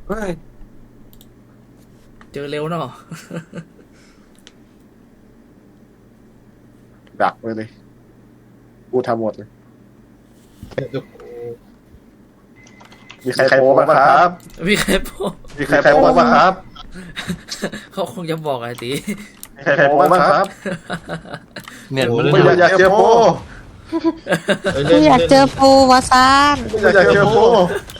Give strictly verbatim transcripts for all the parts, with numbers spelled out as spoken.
เฮ้ยเจอเร็วเนาะดักไปเลยกูทำหมดเลยมีใครโป้บ้างครับมีใครโป้มีใครโป้บ้างครับเขาคงจะบอกไอ้ตีมีใครโป้บ้างครับเนี่ยมันไม่อยากเจอโป้กูอยากเจอปูวาซานไม่อยากเจอโป้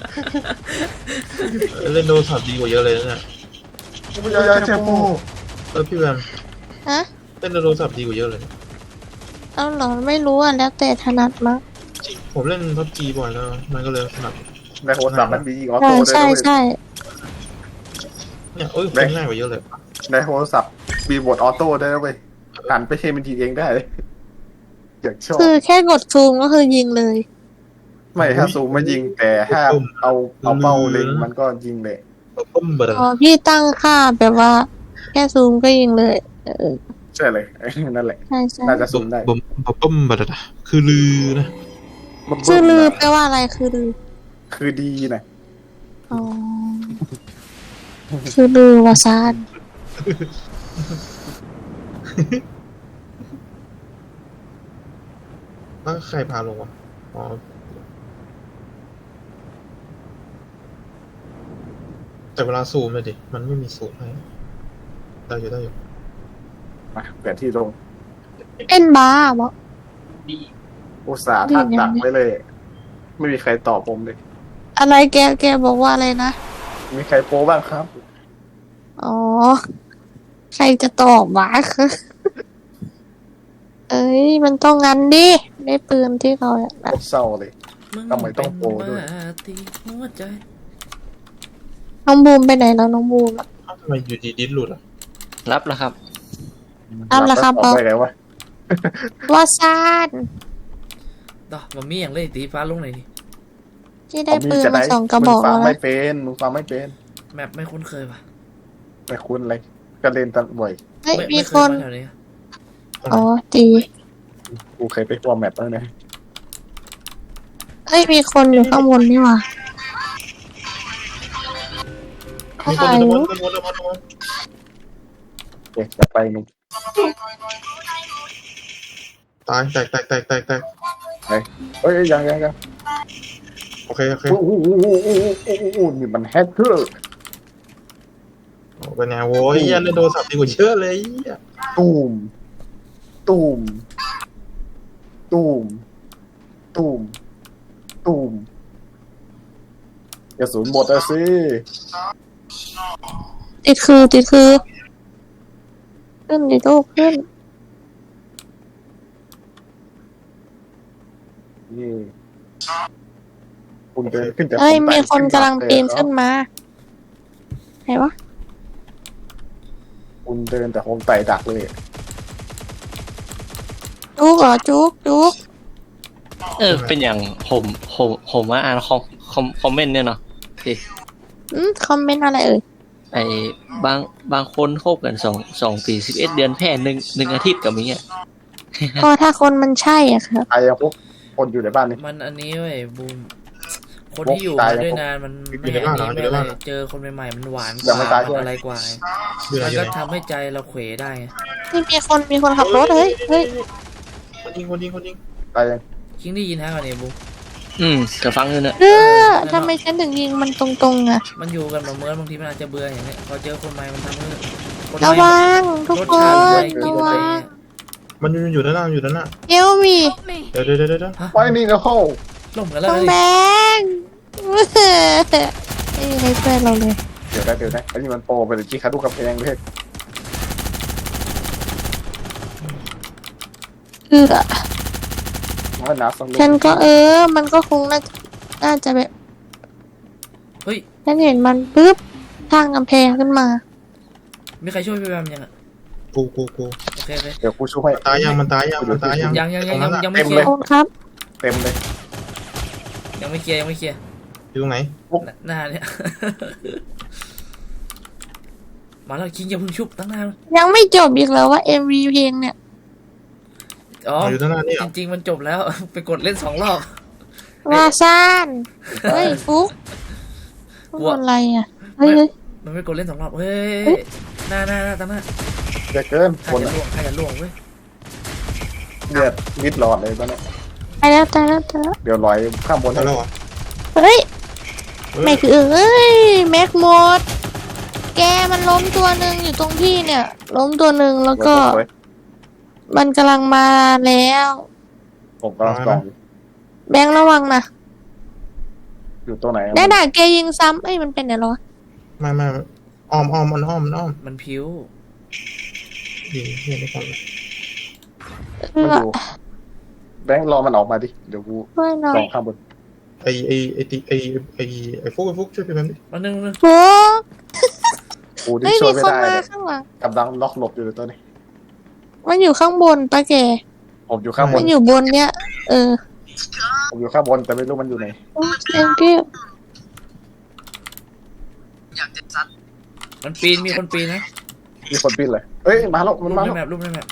เล่นโดนสับดีกว่าเยอะเลยนะไม่อยากเจอโป้เออพี่แบมฮะเล่นโดนสับดีกว่าเยอะเลยเอาเหรอไม่รู้อ่ะแล้วแต่ถนัดมั้งจริงผมเล่นพับจีบ่อยแล้วมันก็เลยถนัดในโทรศัพท์มันมีออใช่โต้ด้วยใช่ใช่เนี่ยเอ้ยเล่นง่ายกว่าเยอะเลยในโทรศัพท์มีบทออโต้ได้ด้วยหันไปเชมันทีเองได้อยากชอบคือแค่กดซูมก็คือยิงเลยไม่ถ้าซูมไม่ยิงแต่ถ้าเอาเอาเป้าเล็งมันก็ยิงเลยปุ้มเบอร์อ๋อพี่ตั้งค่าแบบว่า แค่ซูมก็ยิงเลยเออใช่เลยนั่นแหละใช่ใช่น่าจะซูมได้บุ้มปุ้มเบอร์คือลือนะชื่อลือแปลว่าอะไรคือลือคือดีนะอ๋อคือลือวาซานแล้วใครพาลงวะอ๋อแต่เวลาซูมเลยดิมันไม่มีซูมให้ได้อยู่ได้อยู่มาเปลี่ยนที่ลงเอ็นบาร์บอกอุตส่าห์ท่านดักไว้เลย ไม่มีใครตอบผมเลยอะไรแกแกบอกว่าอะไรนะมีใครโป้บ้างครับอ๋อใครจะตอบวะคือเอ้ยมันต้องงั้นดิได้ปืนที่เขาอยากได้โคตรเศร้าเลย ทำไมต้องโปรด้วยตีหัวใจน้องบูมไปไหนแล้วน้องบูมอะอ้าวทำไมอยู่ดีดิสหลุดอ่ะรับแล้วครับเอาละครับตอบไปไงวะวาซานต่อมามีอย่างเลยตีฟ้าลงไหนอยดิที่ได้ปืนมาสองกระบอกมึงฟัแล้วงไม่นะเป็นมึงฟังไม่เป็นแมปไม่คุ้นเคยป่ะไม่คุ้นเลยก็เล่นตันบ่อยเฮ้ยไม่มีไม่เคคยนมาแถวนี้อ๋อจีกูเคยไปทัวร์แมปแล้วนะเฮ้ยมีคนอยู่ข้างบนนี่หว่ามีคนอยู่ตรงนั้นตรงนั้นตรงนั้นตรงนั้นเอ๊ะจะไปมึงตายแตกแตกแตกแตกแตกเฮ้ยยังยังยังโอเคโอเคโอ้โหโอ้โหโอ้โหโอ้โหโอ้โหนี่มันแฮกเกอร์เป็นไงโว้ยยันเล่นโดนสับดีกว่าเยอะเลยตูมตูมตูมตูมตูมกระสุนหมดแล้วสิติดคือติดคือขึ้นดิลูกขึ้นนี่คุณเดินขึ้นจากเฮ้ยผมไปมีคนกำลังปีนขึ้นมามาไหนวะคุณเดินแต่ผมไต่ดักเลยจุกเหรอจุกจุกเออ เป็นอย่างผมผมผมว่าอ่านคอมคอมคอมเมนต์เนี่ยเนาะพี่อืมคอมเมนต์อะไรเอ่ยไอ้บางบางคนคบกันสองสองปีสิบเอ็ดเดือนแพ้หนึ่งหนึ่งอาทิตย์กับมีอ่ะก็ถ้าคนมันใช่อ่ะครับตายยังพวกคนอยู่ในบ้านนี่มันอันนี้เว้ยบูมคนที่อยู่ตายมาแล้วด้วยนานมันไม่อันนี้ไม่อะไรเจอคนใหม่ๆมันหวานกยังว่าไม่ตายใช่ไหมอะไรกว่าอยู่ไหนมันอยู่ก็ไหนทำให้ใจเราเขวได้ไงนี่มีคนมีคนขับรถเฮ้ยเฮ้ยคนยิงคนยิงคนยิงตายยังคิงได้ยินฮะก่อนเนี่ยบูมอืมจะฟังอยู่เนี่ยเออทำไมฉันถึงยิงมันตรงๆอ่ะมันอยู่กันมาเมื่อบางทีมันอาจจะเบื่ออย่างเงี้ยพอเจอคนใหม่มันทำให้คนใหระม่วังทุกรสคชาตินไม่กิระนวัไปงมันอยู่อยู่ด้านหน้าอยู่ด้านหน้าเอลมีเดี๋ยวเดี๋ยวเดี๋ยวเดี๋ยวฮะไว้นี่นะเข้าล่มกันแล้วต้องเลยแบงไม่มีใครช่วยเราเลยเดี๋ยวนะเดี๋ยวนะอันนี้มันโปรไปเลยจี้ขาดูกำแพงเลยเอือมันหนาสังเลยฉันก็เออ มันก็คงน่าน่าจะแบบเฮ้ยฉันเห็นมันปุ๊บทางกำแพงขึ้นมามีใครช่วยพี่แบมยังอ่ะกูกูกูโอเคโอเคเดี๋ยวกูช่วยให้ตายยังมันตายยังมันตายยังยังยังยังยังยังไม่เต็มเคลีเลย ยโอ้ครับเต็มเลยยังไม่เคลียร์ยังไม่เคลียร์อยู่ตรงไหนหน้าเนี่ย มาแล้วคิงอย่าเพิ่งชุบตั้งนานยังไม่จบอีกแล้วว่า เอ็ม วี เพลงเนี่ยอ๋ออยู่ด้านหน้านี่เหรจอริงๆมันจบแล้ว ไปกดเล่นสองรอบวาซานเฮ้ยฟุกฟุกอะไรอ่ะเฮ้ยเฮ้ยมันไม่กดเล่นสองรอบเฮ้เฮ้ยยหน้าหน้าหน้าตามหน้าเยอะเกินใครคนจะอะล่วงใครจะล่วงเว้ยเลือดมิดหลอดเลยตอนนี้ตายแล้วตายแล้วตายแล้วเดี๋ยวลอยข้ามบนได้ให้แล้วเหรอเฮ้ยเฮ้ยแม็กเอ้ยแม็กหมด แกมันล้มตัวหนึ่งอยู่ตรงที่เนี่ย ล้มตัวหนึ่งแล้วก็สวยมันกำลังมาแล้วๆผมกำลังส่องอยู่แบงค์ระวังนะอยู่ตัวไหนอะได้ด่าแกยิงซ้ำเอ้ยมันเป็นไงหรอไม่ไม่อ้อมอ้อมมันอ้อมมันอ้อมมันผิวดีเฮียได้ก่อนเลยเอมันออยู่แบงค์รอมันออกมาดิเดี๋ยวกูช่วยหน่อส่อย งข้ามบนไอไอไอติไอไอไอฟุกไอฟุกช่วยพี่แบมดิมันนึงนึงโฟกกูที่เฮ้ยช่วมียไม่คนได้มาเลยข้างหลังกำลังล็อกหลบอยู่เลยตัวนี้มันอยู่ข้างบนปะแกผมอยู่ข้างบมัน นอยู่บนเนี่ย เออผมอยู่ข้างบนแต่ไม่รู้มันอยู่ไหนโอ้ thank you มันปีนมีคนปีนนะมีคนปีนเลยเอ้ยมาแล้วรูมันปมาในแล้วแมปรูปในแมป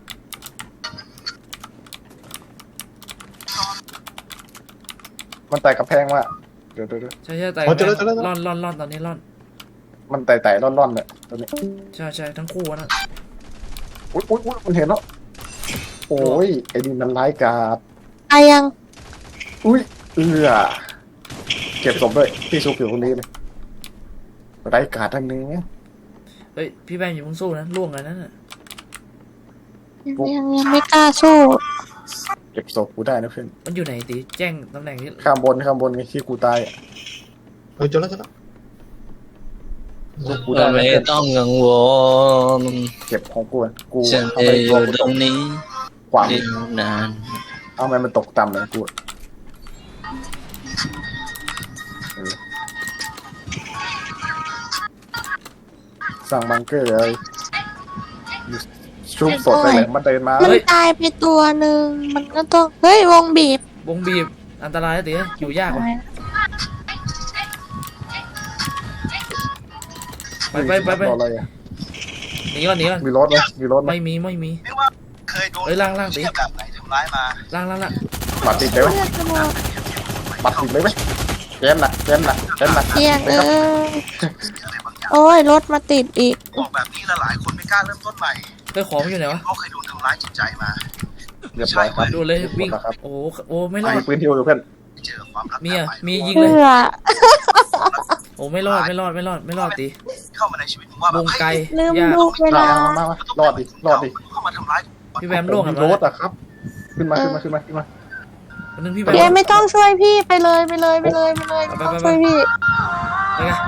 มันไต่กระแพงว่ะเดี๋ยวเดี๋ยวเดี๋ยวใช่ใช่แต่อ๋อเจอแล้วเจอแล้วร่อนร่อนร่อนตอนนี้ร่อนมันไต่ไต่ร่อนๆเลยตัวนี้ใช่ใช่ทั้งคู่อะนะอุ้ยอุ้ยอุ้ยมันเห็นแล้วโอ้ยไอ้นี่มันร้ายกาจอายังอุ้ยเอือเก็บศพด้วยพี่ซุกอยู่ตรงนี้เลยร้ายกาจทั้งนี้เฮ้ยพี่แบมอย่าเพิ่งสู้นะล่วงเลยนั่นน่ะยังยังยังไม่กล้าสู้เก็บศพกูได้นะเพื่อนมันอยู่ไหนตีแจ้งตำแหน่งที่ข้ามบนข้ามบนไงที่กูตายอะเฮ้ยเจอแล้วเจอแล้วศพกูได้นะไม่เพื่อนต้องกังวลเก็บของกูอะกูฉันเอาจะไปอตัวยู่กูตตรกงนี้ขวางอีกนานเอาไมมันตกต่ำเลยกูอะเออสร้างบังเกอร์เลยชุบสดไปเลยมันเดินมามันตายไปตัวหนึ่งมันก็ต้อง เฮ้ยวงบีบวงบีบอันตรายนะตีอยู่ยากว่ะไปไปไปไปรออะไรอะหนีก่อนหนีก่อนมีรถไหมมีรถไหมไม่มีไม่มีเคยโดนเฮ้ยล่างล่างตีเทียบแบบไหนทำร้ายมาล่างล่างล่างบัตรติดเลยไหมเลือดจะหมดบัตรติดเลยไหมเกมหนักเกมหนักเกมหนักเที่ยงเออโอ้ยรถมาติดอีกบอกแบบนี้แล้วหลายคนไม่กล้าเริ่มต้นใหม่เฮ้ยของมันอยู่ไหนวะเพราะเคยโดนทำร้ายจิตใจมาเรียบร้อยครับดูเลยวิ่งครับโอ้โหโอ้ไม่รอมีดปืนที่อยู่เพื่อนเจอความรักมีอ่ะมียิงเพื่เลยอโอ้ไม่รอดไม่รอดไม่รอดไม่รอดตีเข้ามาในชีวิตผมว่าแบวบงไกลลืมยากดูเวมาลามามามารอดดิรอดดิเข้ามาทำร้ายพี่แบมล่วงมีอ่ะรมาถอะครับ ขึ้นมาขึ้นมาขึ้นมาขึ้นมาวันนึงพี่แบแกมไม่ต้องช่วยพี่ไปเลยไปเลยไปเลยไปเลยไม่ต้องช่วยพี่ไปไง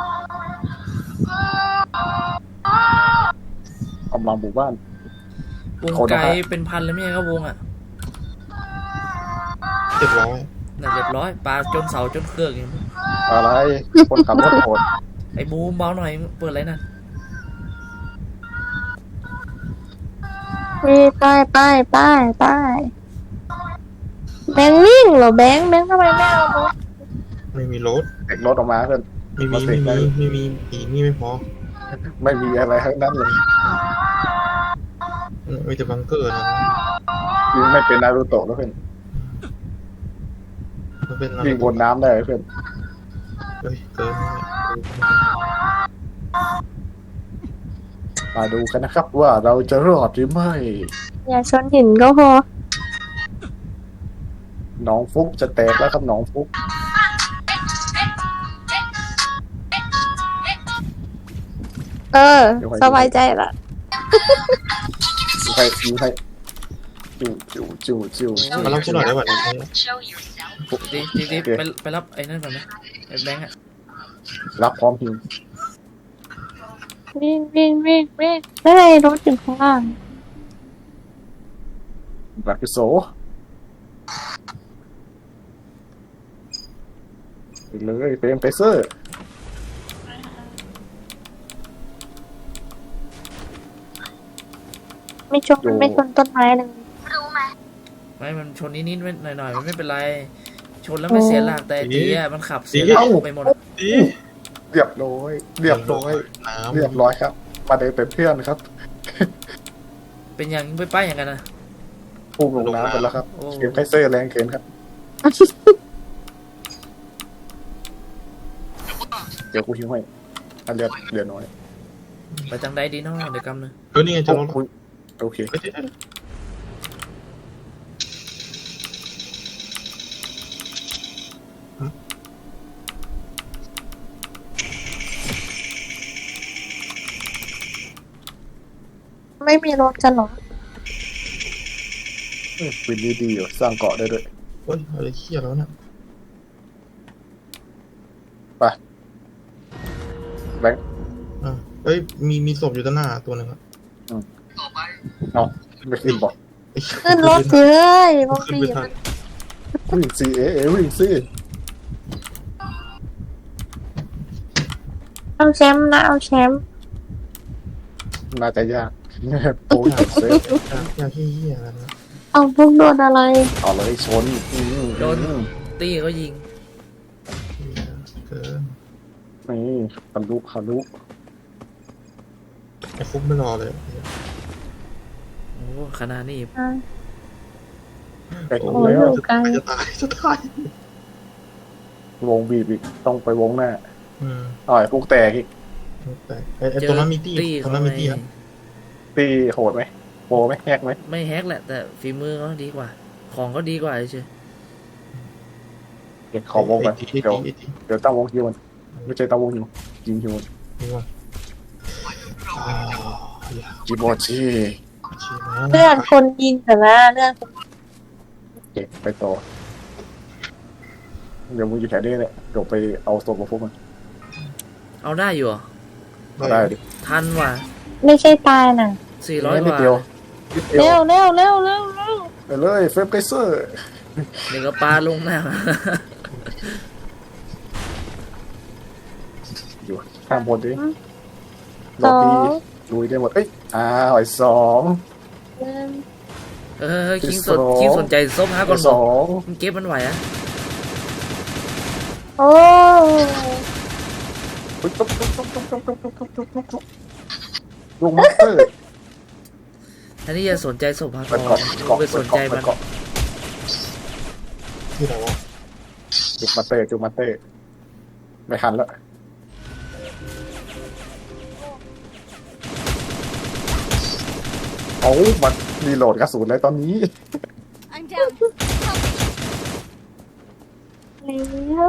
กำลังบุกบ้านวงไกลเป็นพันเลยไม่ใช่ก็วงอ่ะเจ็ดร้อยน่ะเรียบร้อยปลาจนเสาจนเครื่องอย่างนี้อะไรคนขับรถโหดไอ้บูมเบาหน่อยเปิดอะไรนั่นพี่ไปไปไปไปแบงค์วิ่งเหรอแบงค์แบงค์ทำไมไม่เอารถไม่มีรถเด็กรถออกมาเพื่อนไม่มีไม่มีไม่มีอีนี่ไม่พอไม่มีอะไรทั้งนั้นเลยมีแต่บังเกอร์นะยิงไม่เป็นนารูโตะแล้วเพื่อนมันเป็นอะไรยิงบนน้ำได้เพื่อนเฮ้ยเกินมาดูกันนะครับว่าเราจะรอดหรือไม่อย่าชนหินก็พอน้องฟุกจะแตกแล้วครับน้องฟุกเออ สบายใจละยิงใครยิงใครจิ๋วจิ๋วจิ๋วจิ๋วมารับฉันหน่อยได้ป่ะเนี่ยตีตีตีไปไปรับไอ้นั่นก่อนไหมไอ้แบงค์อ่ะรับพร้อมหิววิ่งวิ่งวิ่งวิ่งไม่ไงรถอยู่ข้างล่างแบบพิโซไปเลยเฟรมเฟเซอร์ไม่ชนมันไม่ชนต้นไม้เลยไม่มันชนนิดนิดหน่อยหน่อยมันไม่เป็นไรชนแล้วไม่เสียหลักแต่ตีอ่ะมันขับเสียหลักไปหมดดีเรียบร้อยเรียบร้อยน้ำเรียบร้อยครับ มาเดินเป็นเพื่อนครับเป็นอย่างไปป้ายอย่างกันนะพุ่งลงน้ำไปแล้วครับโอ้เกมไคเซอร์แรงเกินครับ เดี๋ยวกูหิวให้อันเลือดเลือดน้อยไปทางใดดีเนาะเดี๋ยวกำหนึงเออนี่ไงจะรถโอ้ยโอเคเอ้ยเดี๋ยวเดี๋ยวไม่มีรถกันเหรอเอ้ยวินนี่ดีอยู่สร้างเกาะได้ด้วยเฮ้ยอะไรเขี้ยแล้วเนี่ยไปแบงค์อ่ะเอ้ยมีมีศพอยู่ด้านหน้าตัวหนึ่งอะเอาไม่ขึ้นบอกไอ้เหี้ยขึ้นรถสิเอ้ยบางขึ้นทีไม่ทันวิ่งซีเอเอวิ่งซีเอาแชมป์นะเอาแชมป์น่าจะยากโอ้ยเซฟอยากอยากเหี้ยๆอะไรนะเอาพวกโดนอะไรเอาเลยชนอืมโดนตี้ก็ยิงเหี้ยเกินนี่ทะลุทะลุไอ้ฟุกไม่รอเลยโอ้ขนาดนี้อ่ะใกล้ถึงโอ้แล้วอยู่ไกลจะตายจะตายวงบีบอีกต้องไปวงหน้าอืมอ๋อไอ้พวกแตกอีกแต่ไอ้ไอ้ตรงนั้นมีตี้ตี้ตรงเขานั้นมีไม่ตี้อะตีโหดไหมโปรไหมแฮกไหมไม่แฮกแหละ แต่ฝีมือเขาดีกว่า ของก็ดีกว่าเฉยเก็บขอวงกันไอ้ตี้เดี๋ยวไอ้ตี้เดี๋ยวตั้งวงฮิวมันไม่ใช่ตั้งวงฮิวยิงฮิวมันไอ้ตี้นี่ว่าอ่าอย่าจิโบชิชี้นะเลื่อนคนยิงแต่ละเลื่อนเก็บไปต่อเดี๋ยวมึงอยู่แถวนี้เนี่ยเดี๋ยวไปเอาศพมาพวกมันๆเอาได้อยู่เหรอเอาได้ดิทันว่ะไม่ใช่ตายน่ะสี่ร้อยกนิดว่าเดียวนิดเดีเร็ยววเร็วเร็วเร็วเร็วไปเลยเฟฟไกเซอร์เดี๋ยวก็ปลาลงหน้าอยู่ข้างบนดิสล็ออบบี้งลุยได้หมดเอ้ยอ้าวไอ้สองหนึ่งเออคิงสนสองคิงสนใจส้มฮะก่ไอ้อนบสอกองมันเก็บมันไหวอะโอ้ตุ๊บตุ๊บตุ๊บตุ๊บตุ๊บตุ๊บตุ๊บตุ๊บตุ๊บตุ๊บตุ๊บลุงมาสเตอร์อันนี้อย่าสนใจศพฮะเปิดก่เกาะอนเกาะไปสนใจมันเกาะที่ไหนวะจุกมาเตอร์จุกมาเตอร์ไม่ทันแล้วเอามันรีโหลดกระสุนเลยตอนนี้ I'm down. Help me. แล้ว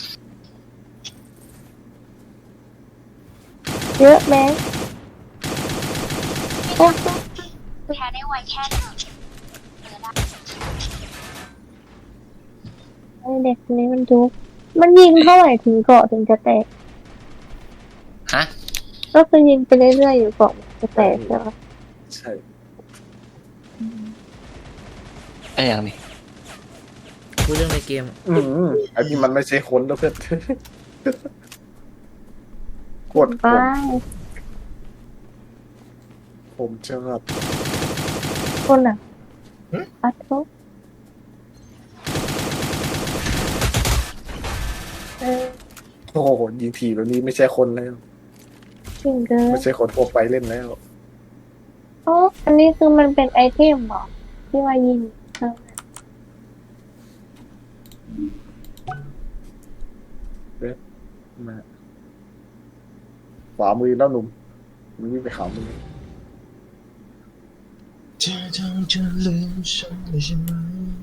เยอะแม่โอ้แพ้ได้ไวแค่ไหนไอ้เด็กคนนี้มันจุกมันยิงเท่าไหร่ถึงเกาะถึงจะแตกฮะก็คือยิงไปเรื่อยๆอยู่เกาะมันจะแตกใช่ไหมใช่ไอ้อย่างนี้คุยเรื่องในเกมอืมไอ้นี่มันไม่ใช่คนแล้วเพื่อนกดไปผมชอบคนอ่ะปัดทุกเออโอ้โหยิงทีแบบนี้ไม่ใช่คนแล้วจริงเกินไม่ใช่คนทั่วไปเล่นแล้วโอ้อันนี้คือมันเป็นไอเทมเหรอที่ว่ายิงเออมาขวามือแล้วหนุ่มมึงวิ่งไปขวามือเธอต้องจะลืมฉันเลยใช่ไหม